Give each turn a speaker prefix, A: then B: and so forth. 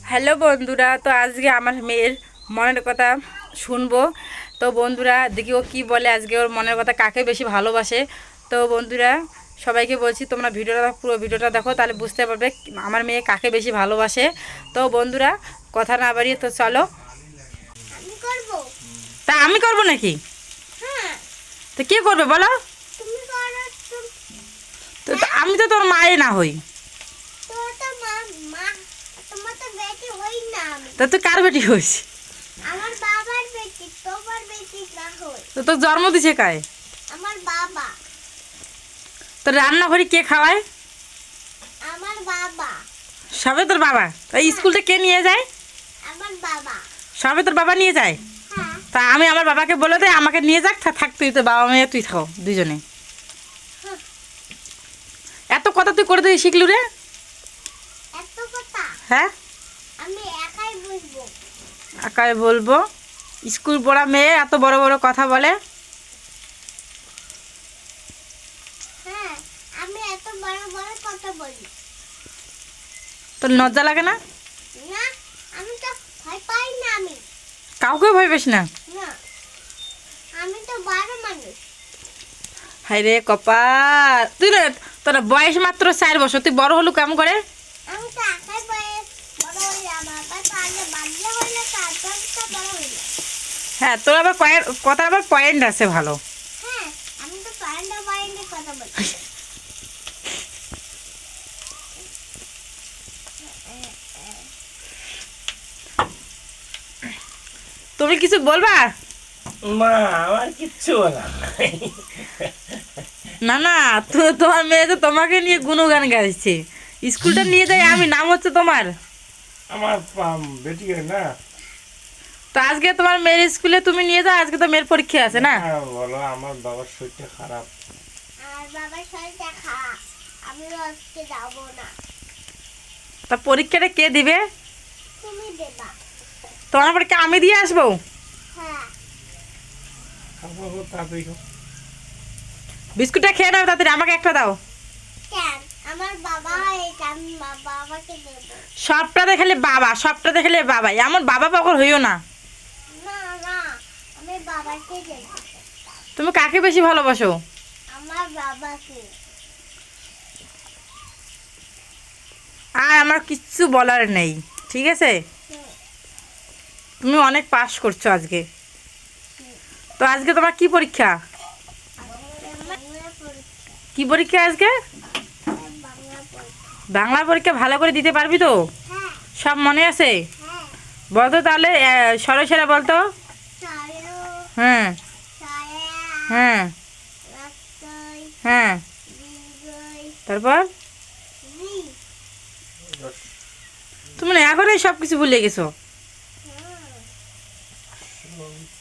A: Hello বন্ধুরা, তো আজকে আমার মেয়ের মনের কথা শুনবো। তো বন্ধুরা দেখি ও কী বলে, আজকে ওর মনের কথা কাকে বেশি ভালোবাসে। তো বন্ধুরা সবাইকে বলছি তোমরা পুরো ভিডিওটা দেখো, তাহলে বুঝতে পারবে আমার মেয়ে কাকে বেশি ভালোবাসে। তো বন্ধুরা কথা না বাড়িয়ে তো চলো। তা আমি করবো নাকি? তো কে করবে বলো? তো আমি তো তোর মায়ে না হই। তা তুই কার বেটি হইস?
B: আমার বাবার বেটি, তোমার বেটি না হই।
A: তো তোর জন্ম দিছে কায়?
B: আমার বাবা।
A: তোর রান্না করি কে খাওয়ায়?
B: আমার বাবা।
A: সবে তোর বাবা? তাই স্কুলটা কে নিয়ে যায়?
B: আমার বাবা।
A: সবে তোর বাবা নিয়ে যায়?
B: হ্যাঁ।
A: তা আমি আমার বাবাকে বলে দেয় আমাকে নিয়ে যাক, থাক তুই তো বাবা মেয়ে তুই থাকো দুজনে। এত কথা তুই করে দিয়ে শিখলু রে?
B: এত কথা
A: হ্যাঁ,
B: আমি একাই বুঝবো।
A: একাই বলবো? স্কুল পড়া মেয়ে এত বড় বড় কথা বলে।
B: হ্যাঁ, আমি এত বড় বড় কথা বলি।
A: তোর লজ্জা লাগে না?
B: না, আমি তো ভয় পাই না। আমি
A: কাউকে ভয় পেস না?
B: না, আমি তো বড় মানুষ।
A: হাই রে কপাল, তুই না তোর বয়স মাত্র 4 বছর, তুই বড় হলু কেমন করে?
B: আমি তো একাই বড় হই। আমার বাবা আগে বাদলে হইলে তারপর তো বড় হইলে।
A: হ্যাঁ, তোর আবার কথা আবার পয়েন্ট আছে ভালো।
B: হ্যাঁ, আমি তো পারেন্ডে কথা বলি।
A: তুমি কিছু বলবা?
C: মা আমার কিচ্ছু বলার নাই।
A: না না, তোমার মেয়ে তো তোমাকে নিয়ে গুণগান গাইছে। স্কুলটা নিয়ে যাই আমি, নাম হচ্ছে তোমার।
C: আমার বেটি না।
A: তো আজকে তোমার মেয়ের স্কুলে তুমি নিয়ে যাও, আজকে তো মেয়ের পরীক্ষা আছে না?
C: বলো আমার বাবার শরীরটা খারাপ।
B: আর বাবার শরীরটা খারাপ, আমি আজকে যাব না।
A: তা পরীক্ষাটা কে দিবে?
B: তুমি দেবা।
A: তোমার পরীক্ষা আমি দিয়ে আসবো?
B: হ্যাঁ।
C: খাবো তাড়াতাড়ি খাও।
A: বিস্কুটটা খেয়ে নাও তাড়াতাড়ি, আমাকে একটা দাও।
B: কেন? আমার বাবা এটা আমি বাবাকে দেব।
A: সবটাতে খেলে বাবা, সবটাতে খেলে বাবা, এমন বাবা পাগল হইও না।
B: না না, আমি বাবাকে দেব।
A: তুমি কাকে বেশি ভালোবাসো?
B: আমার বাবাকে।
A: আর আমার কিচ্ছু বলার নেই, ঠিক আছে? তুমি অনেক পাস করছো আজকে। তো আজকে তোমার কি পরীক্ষা?
B: বাংলা পরীক্ষা।
A: কি পরীক্ষা আজকে?
B: বাংলা পরীক্ষা।
A: বাংলা পরীক্ষা ভালো করে দিতে পারবি তো?
B: হ্যাঁ।
A: সব মনে আছে?
B: হ্যাঁ।
A: বলতো তাহলে সরসেরা বলতো।
B: সারো,
A: হ্যাঁ
B: সায়া,
A: হ্যাঁ
B: রাস্তায়,
A: হ্যাঁ,
B: বিজয়,
A: তারপর
B: রি।
A: তুমি না এখনই সব কিছু ভুলে গেছো।
B: হ্যাঁ।